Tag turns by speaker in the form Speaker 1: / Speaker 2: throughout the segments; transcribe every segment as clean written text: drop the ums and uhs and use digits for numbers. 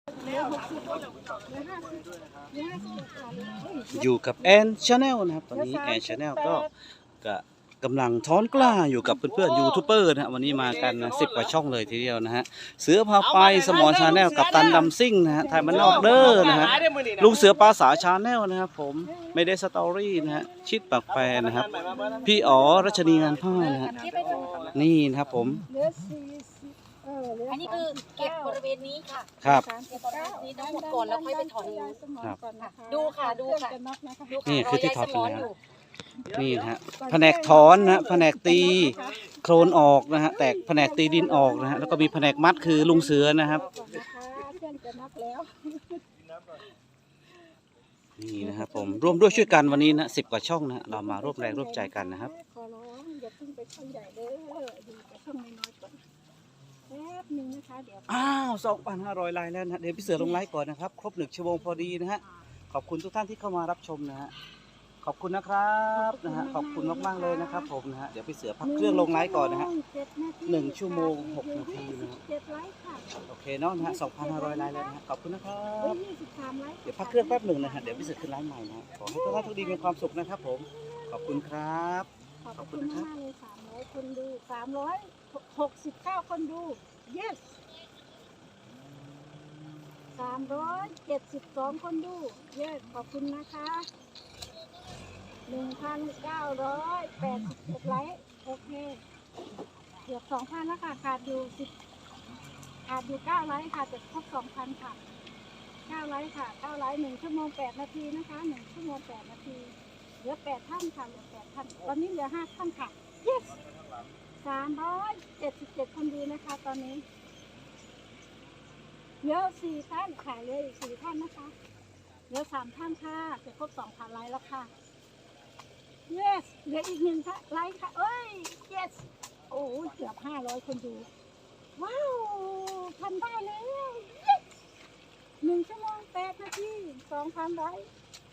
Speaker 1: อยู่กับแอนชาแนลนะครับตอนนี้แอนชาแนลก็กำลังท้อนกล้าอยู่กับเพื่อนๆยูทูบเบอร์นะฮะวันนี้มากันนะ10 กว่าช่องเลยทีเดียวนะฮะเสือพาไปสมอชาแนลกับตันดำซิ่งนะฮะไทยมันนอกเด้อนะฮะลุงเสือปลาสาชาแนลนะครับผมไม่ได้สตอรี่นะฮะชิดปากแปรนะครับพี่อ๋อรัชนีงานผ้านะฮะนี่นะครับผม
Speaker 2: อันนี้คือเก็บบริเวณนี้ค่ะ
Speaker 1: ครับ
Speaker 2: เก็บบริเวณนี้ทั้งหมดก่อนแล้วค่อยไปถอน
Speaker 1: ครับ
Speaker 2: ดูค่ะดูค่ะ
Speaker 1: นี่คือที่ถอดแล้วนี่นะฮะแผนกถอนนะฮะแผนกตีโคลนออกนะฮะแตกแผนกตีดินออกนะฮะแล้วก็มีแผนกมัดคือลุงเสือนะครับนี่นะครับผมร่วมด้วยช่วยกันวันนี้นะ10 กว่าช่องนะเรามาร่วมแรงร่วมใจกันนะครับ
Speaker 3: ขอร้องอย่าเพิ่งไปช่องใหญ่เลยดูไปช่องน้อยๆก่อนแป๊บนึงนะคะเดี๋ยว
Speaker 1: อ้าว 2,500 ไลน์แล้วนะเดี๋ยวพี่เสือลงไลน์ก่อนนะครับครบ1 ชั่วโมงพอดีนะฮะขอบคุณทุกท่านที่เข้ามารับชมนะฮะขอบคุณนะครับนะฮะขอบคุณมากๆเลยนะครับผมนะฮะเดี๋ยวพี่เสือพักเครื่องลงไลน์ก่อนนะฮะ1 ชั่วโมง 6 นาทีนะโอเคเนาะนะฮะ 2,500 ไลน์แล้วนะฮะขอบคุณนะครับเดี๋ยวพักเครื่องแป๊บหนึ่งนะฮะเดี๋ยวพี่เสือขึ้นไลน์ใหม่นะขอให้ทุกท่านทุกดีมีความสุขนะครับผมขอบคุณครับ
Speaker 3: ขอบคุณมากเลย300 คนดู369 คนดู yes 372 คนดู yes ขอบคุณนะคะ1,981 ไลค์โอเคเกือบ 2,000 แล้วค่ะขาดอยู่9 ไลค์ค่ะจะครบ 2,000 ค่ะ9 ไลค์ค่ะ9 ไลค์1 ชั่วโมง 8 นาทีนะคะ1 ชั่วโมง 8 นาทีเหลือ8 ท่านค่ะเหลือ8 ท่านตอนนี้เหลือ5 ท่านค่ะ yes 377 คนดูนะคะตอนนี้เหลือ4 ท่านค่ะเหลืออีก4 ท่านนะคะเหลือ3 ท่านค่ะจะครบ 2,000 ไลค์แล้วค่ะ yes เหลืออีก1 ท่านไลค์ค่ะเอ้ย yes โอ้เกือบ500 คนดูว้าวทำได้แล้ว yes 1 ชั่วโมง 8 นาที 2,000 ไลค์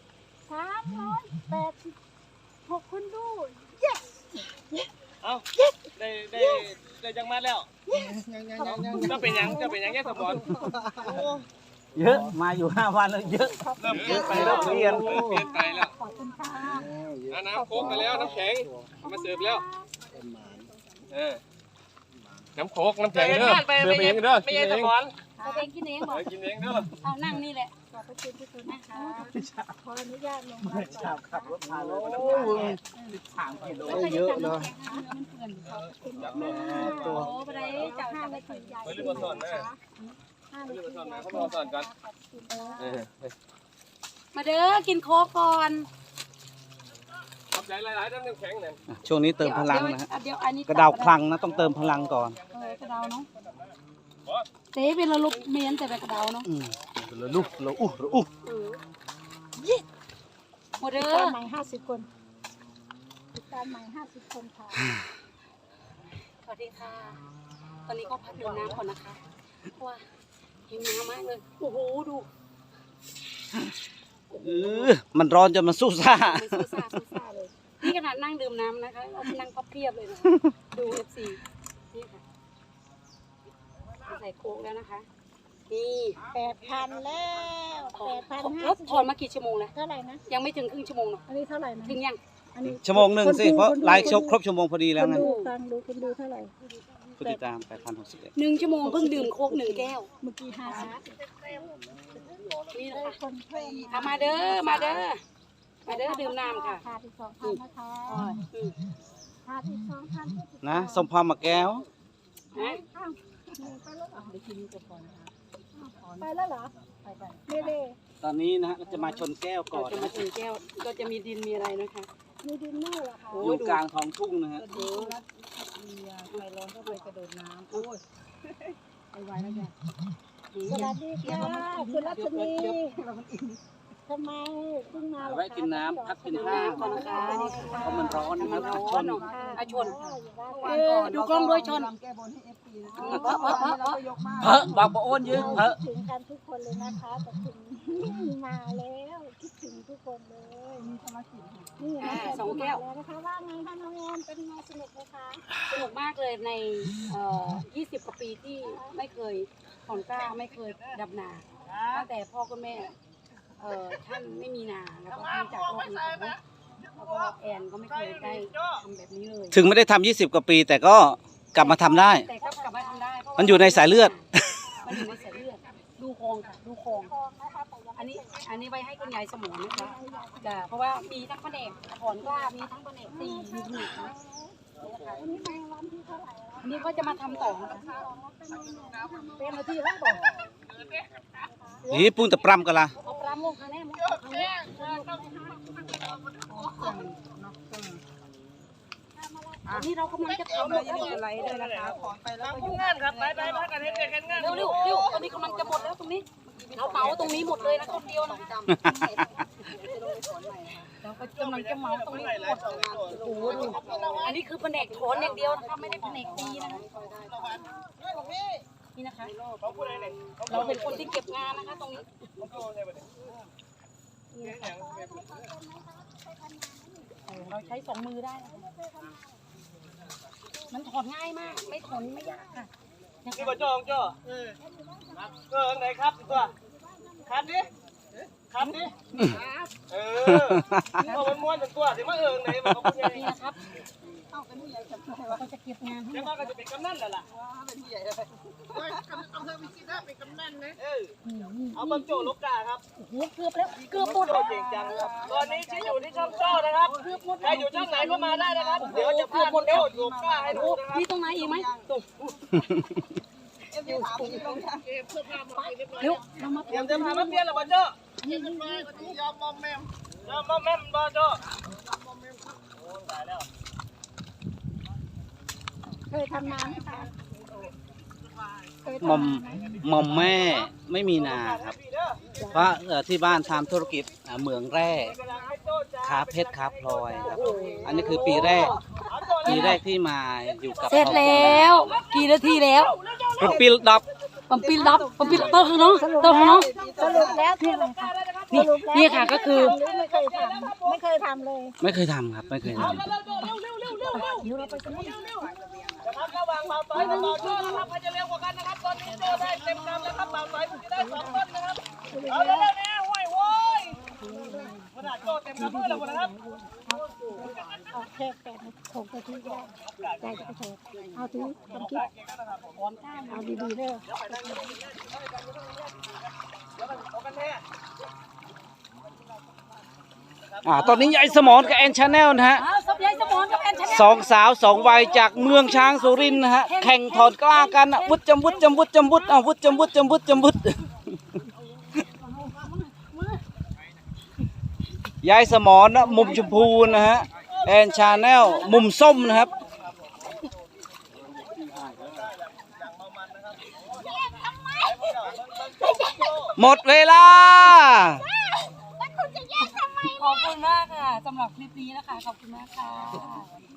Speaker 3: 386 คนดู yes
Speaker 4: เอาได้จังมาแล้วจะเป็นยังแค่สมอน
Speaker 1: เยอะมาอยู่5 วันแล้วเยอะ
Speaker 4: เริ่มเปลี่ยนไปแล้วเปลี่ยนไปแล้ว
Speaker 3: ขอบคุณค่ะ
Speaker 4: น้ำโค้กมาแล้วน้ำแข็งมาเสิร์ฟแล้วน้ำโค้กน้ำแข็งเด้อเสิร์ฟเองเด้อกินเอง
Speaker 2: กินเองบอก
Speaker 4: กินเองเด้อ
Speaker 2: เอานั่งนี่แหละ
Speaker 3: ขอบคุณทุกคนนะคะขออนุญาตลงมา
Speaker 1: ขับรถพาเลย13 กิโลเยอะเนาะ
Speaker 2: ตัวไปได้เจ้า5 นาทีใหญ่
Speaker 4: ไปรีบมาสอนนะรีบมาสอนนะเขามาสอนกัน
Speaker 2: มาเด้อกินโค้กก่อน
Speaker 4: ขอบใจหลายๆน้ำแข็งเนี่ย
Speaker 1: ช่วงนี้เติมพลังนะฮะกระ
Speaker 2: เดา
Speaker 1: ดาคลังนะต้องเติมพลังก่อน
Speaker 2: กระเดาเนาะเต้เป็นระลุกเมียนแต่เป็นกระเดาเนาะ
Speaker 1: เป็นระลุกระอุ
Speaker 2: ยี่หมดเด้อ
Speaker 3: ใหม่50 คนติดตามใหม่50 คนค่ะ
Speaker 2: สวัสดีค่ะตอนนี้ก็พักดื่มน้ำก่อนนะคะว้าหิวน้ำมากเลยโอ้โหดู
Speaker 1: มันร้อนจนมันสู้ซ่า
Speaker 2: เลยนี่ขนาดนั่งดื่มน้ำนะคะเอานั่งพับเพียบเลยนะดู FC นี่ค่ะใส่โค้กแล้วนะคะนี่
Speaker 3: 8,000 แล้ว8,000
Speaker 2: รถถอนมากี่ชั่วโมงแล้ว
Speaker 3: เท่าไหร่นะ
Speaker 2: ยังไม่ถึงครึ่งชั่วโมงเนาะ
Speaker 3: อันนี้เท่าไหร่นะ
Speaker 2: ถึงยัง
Speaker 1: ชั่วโมงหนึ่งสิเพราะไลฟ์ครบชั่วโมงพอดีแล้วไง
Speaker 3: คุณดูเท่าไหร่
Speaker 1: ผู้ติดตาม8,061
Speaker 2: 1 ชั่วโมงเพิ่งดื่มโค้ก1 แก้ว
Speaker 3: เมื่อกี้
Speaker 2: นี่นะคะมาเด้อดื่มน้ำค่ะ
Speaker 3: ขาดอีก 2,000 นะคะขาดอีก 2,000
Speaker 1: นะสมพรมาแก้ว
Speaker 3: ไปแล้วเหรอเร่
Speaker 1: ตอนนี้นะฮะเราจะมาชนแก้วก่อน
Speaker 2: จะมาชนแก้วก็จะมีดินมีอะไรนะคะ
Speaker 3: มีดินเนอร์เหรอคะ
Speaker 1: อยู่กลางท้องทุ่งนะฮะ
Speaker 2: ไฟร้อนก็ไปกระโดดน้ำโอ้ยไวแล้วแก
Speaker 3: สวัสดีค่ะคุณรัชนีทำไมเพิ่งมา
Speaker 1: ไว้กินน้ำพักกินข้าว
Speaker 2: ก่อนนะคะ
Speaker 1: เพราะมันร้อน
Speaker 2: มันร้อนชนดูกล้องด้วยชน
Speaker 1: บอกโอนยืน
Speaker 3: ถึงกันทุกคนเลยนะคะแต่ถึงมาแล้วคิดถึงทุกคนเลยมีสมาชิกนี่
Speaker 2: 2 แก้ว
Speaker 3: นะคะว่าไงคะน้องแอนเป็นไงสนุกไหมคะ
Speaker 2: สนุกมากเลยใน20 กว่าปีที่ไม่เคยถอนกล้าไม่เคยดับนาตั้งแต่พ่อกับแม่ท่านไม่มีนาแล้วก็ท่านจากโลกนี้ไปแล้วก็แอนก็ไม่เคยได้ทำแบบนี้เลย
Speaker 1: ถึงไม่ได้ทำ20 กว่าปี แต่ก็กลับมาทำได้
Speaker 2: แต่ก็กลับมาทำได้เพราะว่า
Speaker 1: มันอยู่ในสายเลือด
Speaker 2: มันอยู่ในสายเลือดดูโครงค่ะดูโครงอันนี้ไว้ให้คุณยายสมองนะคะจ้ะเพราะว่ามีทั้งแผนกถอนกล้ามีทั้งแผนกตีมีทุกอย่างนะอันนี้ก็จะมาทำต่อนะคะเป็นมาที่แล้วต่อ
Speaker 1: นี่ปุ้งแต่ปรำกันละ
Speaker 2: เอาปลาโมกครั้งแรกมั้งครั้งแรกอันนี้เรากำลังจะทำอะไรด้วยนะคะถอนไปแล้วก็
Speaker 4: ทำงานครับไปกันเฮ็ดกันงาน
Speaker 2: เร็วตอนนี้กำลังจะหมดแล้วตรงนี้เราเหมาตรงนี้หมดเลยนะคนเดียวนะเราก็กำลังจะเหมาตรงนี้หมดโอ้โหดูอันนี้คือแผนกถอนอย่างเดียวนะคะไม่ได้แผนกตีนะคะนี่นะคะเราเป็นคนที่เก็บงานนะคะตรงนี้เราใช้2 มือได้นะคะมันถอนง่ายมากไม่ถอนไม่ยากค่ะ
Speaker 4: นี่บ่จ้องจ้อไหนครับตัวคันดิเอามันม้วนถึงตัวสิมาไหนมาเขาพูดยังไง
Speaker 2: นี่นะครับเราก็จะเก็บงานให้
Speaker 4: แล้ว
Speaker 2: หมด
Speaker 4: ก็จะเป็นกำนันแล้วล่ะเอาบังโจลูกกาครับ
Speaker 2: โอ้โหเกือบแล้วเกือบหมด
Speaker 4: โจเก่งจังครับตอนนี้ที่อยู่ที่ช่องโจ้นะครับใครอยู่ช่องไหนก็มาได้นะครับเดี๋ยวจะพาโจลูกกาให้ดูนะครับ
Speaker 2: มีตรงไหนอีกไหมตรงเร็วเรามา
Speaker 4: เตรียมจะพามาเปลี่ยนหรือเปล่าโจ้ยอมมอมแมมบ่โจ้
Speaker 3: เคยทำน้ำไหมคะเคย
Speaker 1: หม่อม
Speaker 3: ทำน้ำไหม
Speaker 1: หม่อมแม่ไม่มีนาครับ เพราะที่บ้านทำธุรกิจเหมืองแร่ค้าเพชรค้าพลอยครับ อันนี้คือปีแรกที่มาอยู่กับ
Speaker 2: เสร็จแล้วกี่นาทีแล้ว
Speaker 1: ปุ๊บปิลดับ
Speaker 2: ปั๊มปิลดับปั๊มปิลเต้าข้างน้องเต้าข้างน้อง
Speaker 3: สรุปแล้วที่ไหนคะ
Speaker 2: นี่นี่ค่ะก็คือ
Speaker 3: ไม่เคยทำไม่เคยทำเลย
Speaker 1: ไม่เคยทำครับไม่เคยทำ
Speaker 2: เดี๋ยวเราไปกันเลย
Speaker 4: นะครับระหว่างบ่าวสายกับบ่าวโจ้นะครับใครจะเร็วกว่ากันนะครับตอนนี้โจ้ได้เต็มกำแล้วครับบ่าวสายผมจะได้2 ต้นนะครับเอาเร็วๆนะโว้ยขนาดโจ้เต็มกำเพื่อแล้วนะครับ
Speaker 3: เอาแค่8 6 นาทีก็ได้ใจจะไปเถอะเอาถือความคิดเอาดีๆเด้อ
Speaker 1: ตอนนี้ยายสมรกับแอนชาแนลนะฮะ
Speaker 2: สับยายสมอนกับแอนชาแนล
Speaker 1: สองสาว2 วัยจากเมืองช้างสุรินทร์นะฮะแข่งถอดกล้ากันวุดจำวุดวุดวุดยายสมรนะมุมชมพูนะฮะแอนชาแนลมุมส้มนะครับหมดเวลา
Speaker 2: ขอบคุณมากค่ะสำหรับคลิปนี้นะคะขอบคุณมากค่ะ